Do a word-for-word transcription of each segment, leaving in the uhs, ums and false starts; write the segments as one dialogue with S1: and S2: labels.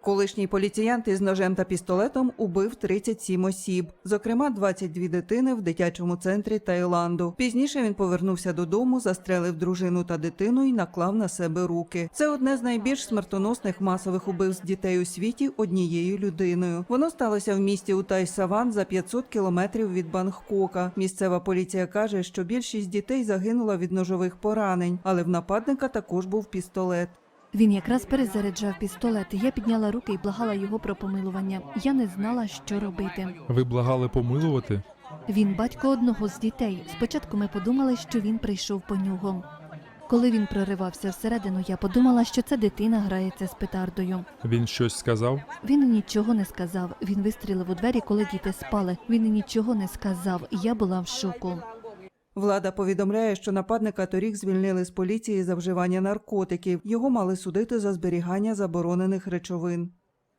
S1: Колишній поліціянт із ножем та пістолетом убив тридцять сім осіб, зокрема двадцять дві дитини в дитячому центрі Таїланду. Пізніше він повернувся додому, застрелив дружину та дитину і наклав на себе руки. Це одне з найбільш смертоносних масових убивств дітей у світі однією людиною. Воно сталося в місті Утай-Саван за п'ятсот кілометрів від Бангкока. Місцева поліція каже, що більшість дітей загинула від ножових поранень, але в нападника також був пістолет.
S2: Він якраз перезаряджав пістолет. Я підняла руки і благала його про помилування. Я не знала, що робити.
S3: Ви благали помилувати?
S2: Він батько одного з дітей. Спочатку ми подумали, що він прийшов по нього. Коли він проривався всередину, я подумала, що це дитина грається з петардою.
S3: Він щось сказав?
S2: Він нічого не сказав. Він вистрілив у двері, коли діти спали. Він нічого не сказав. Я була в шоку.
S1: Влада повідомляє, що нападника торік звільнили з поліції за вживання наркотиків. Його мали судити за зберігання заборонених речовин.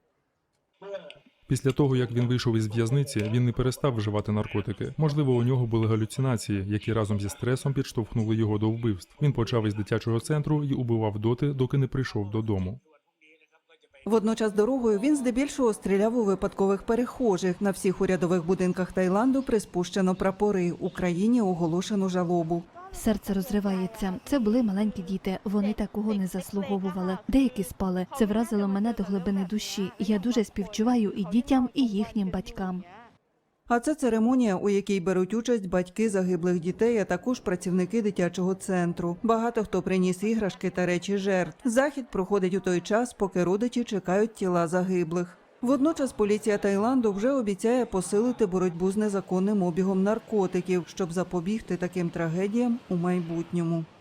S3: Після того, як він вийшов із в'язниці, він не перестав вживати наркотики. Можливо, у нього були галюцинації, які разом зі стресом підштовхнули його до вбивств. Він почав із дитячого центру і убивав доти, доки не прийшов додому.
S1: Водночас дорогою він здебільшого стріляв у випадкових перехожих. На всіх урядових будинках Таїланду приспущено прапори. Україні оголошено жалобу.
S2: Серце розривається. Це були маленькі діти. Вони такого не заслуговували. Деякі спали. Це вразило мене до глибини душі. Я дуже співчуваю і дітям, і їхнім батькам.
S1: А це церемонія, у якій беруть участь батьки загиблих дітей, а також працівники дитячого центру. Багато хто приніс іграшки та речі жертв. Захід проходить у той час, поки родичі чекають тіла загиблих. Водночас поліція Таїланду вже обіцяє посилити боротьбу з незаконним обігом наркотиків, щоб запобігти таким трагедіям у майбутньому.